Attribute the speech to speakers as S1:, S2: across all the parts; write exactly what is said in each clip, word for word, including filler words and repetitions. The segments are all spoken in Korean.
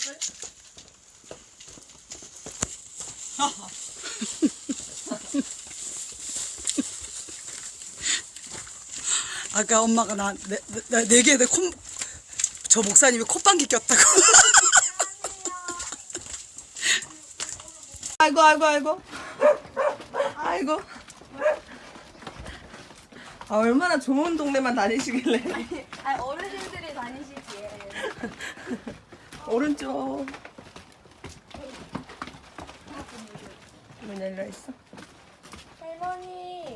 S1: 아까 엄마가 나 네 개에 콧, 저 목사님이 콧방귀 꼈다고.
S2: 아이고 아이고 아이고 아이고. 아, 얼마나 좋은 동네만 다니시길래.
S3: 아니, 아니 어르신들이 다니시지.
S2: 오른쪽. 문 열려 있어.
S3: 할머니.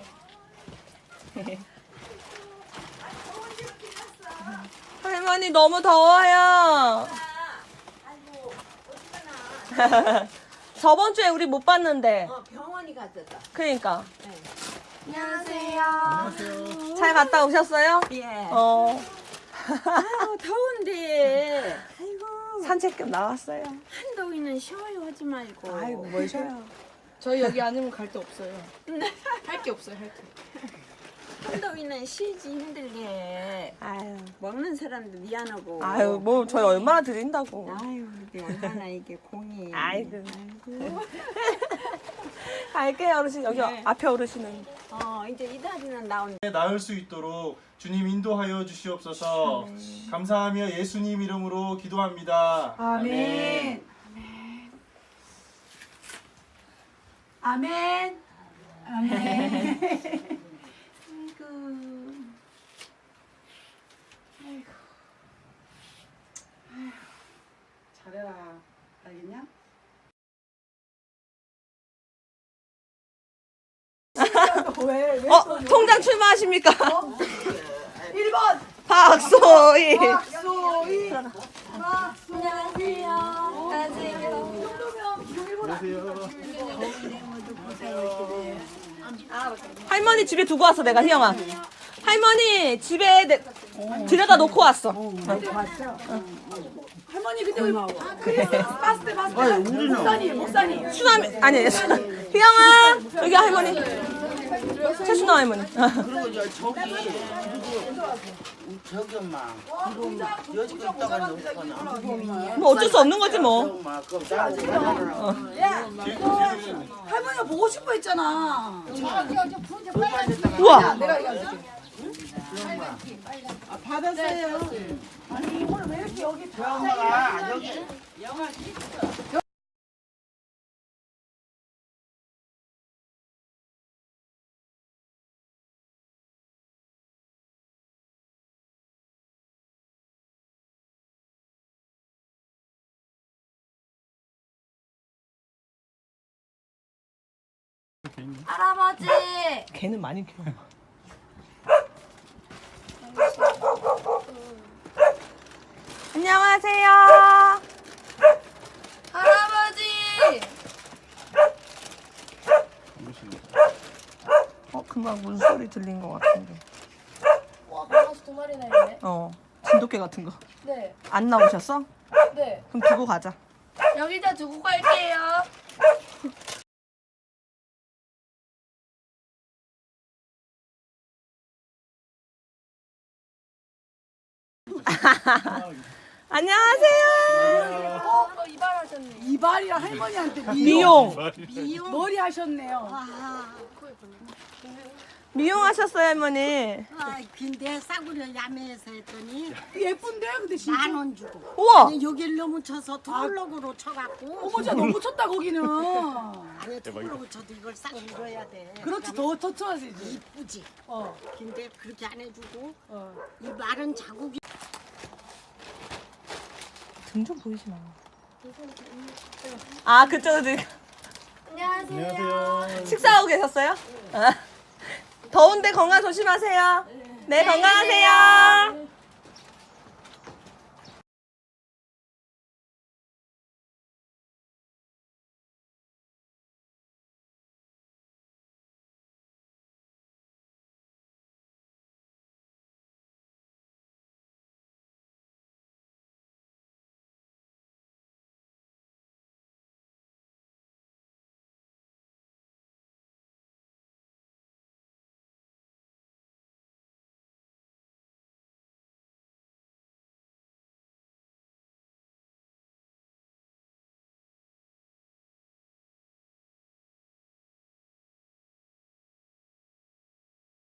S2: 할머니 너무 더워요.
S3: 아이고 어디 가나.
S2: 저번 주에 우리 못 봤는데.
S3: 어 병원이 갔었다.
S2: 그러니까.
S3: 네. 안녕하세요.
S2: 잘 갔다 오셨어요?
S3: 예.
S2: 어.
S3: 아유 더운데. 아이고
S2: 산책 좀 나왔어요.
S3: 한더위는 쉬어요 하지 말고.
S2: 아이고 뭘 쉬어요.
S4: 저희 여기 아니면 갈 데 없어요. 할 게 없어요, 할 게.
S3: 한더위는 쉬지 힘들게.
S2: 아유.
S3: 먹는 사람도 미안하고.
S2: 아유 뭐 저희 얼마나 드린다고.
S3: 아유 이게 얼마나 이게 공이.
S2: 아이고.
S3: 아이고.
S2: 갈게요 어르신. 여기
S3: 네.
S2: 앞에 어르신은.
S3: 어 이제 이 다리는 나온.
S5: 나을 수 있도록 주님 인도하여 주시옵소서. 감사하며 예수님 이름으로 기도합니다.
S1: 아멘. 아멘. 아멘. 아이고. 아이고. 아이고. 잘해라. 알겠냐? 왜? 왜?
S2: 어 통장 출마하십니까?
S1: 일 번
S2: 박소희.
S1: 박소희.
S3: 안녕하세요. 안녕하세요.
S2: 할머니 집에 두고 왔어 내가 희영아. 할머니 집에 내, 들여다 놓고 왔어.
S1: 할머니 근데 왜 그래 봤을 때 봤을 때 목사님 목사님
S2: 수남이 아니 희영아 여기 할머니 최순아 할머니.
S6: 그리고 저 저기 누구 저기 엄마 이거 여지껏 있다가 놓거나
S2: 뭐 어쩔 수 없는 거지 뭐.
S6: 엄마 그거 나한테 가져라.
S1: 할머니가 보고 싶어 했잖아.
S2: 우와.
S1: 내가 얘기할게.
S6: 받았어요.
S1: 아니 오늘 왜 이렇게 여기 다
S6: 엄마가 여기
S3: 할아버지.
S2: 걔는 많이 키워. 안녕하세요.
S3: 할아버지.
S2: 어 금방 문소리 들린 것 같은데.
S3: 와 강아지 두 마리나 있네.
S2: 어 진돗개 같은 거.
S3: 네.
S2: 안 나오셨어?
S3: 네.
S2: 그럼 두고 가자.
S3: 여기다 두고 갈게요.
S2: 안녕하세요.
S3: 어, 어 이발하셨네.
S1: 이발이랑 할머니한테
S2: 미용.
S1: 머리 하셨네요.
S2: 미용하셨어요 할머니.
S7: 아, 근데 싸구려 야매에서 했더니
S1: 예쁜데 근데 진짜.
S7: 만 원 주고.
S2: 우와.
S7: 아니, 여기를 너무 쳐서 투블럭으로 쳐갖고.
S1: 어머 진짜 너무 쳤다 거기는.
S7: 아니 투블럭으로 쳐도 이걸 싹 밀어야 돼.
S1: 그렇지 더 더 쳐야지.
S7: 이쁘지.
S1: 어.
S7: 근데 그렇게 안 해주고
S1: 어.
S7: 이 마른 자국이.
S2: 등 좀 보이지 마. 아 그쪽으로
S3: 안녕하세요.
S2: 식사하고 계셨어요? 아. 더운데 건강 조심하세요. 네 건강하세요.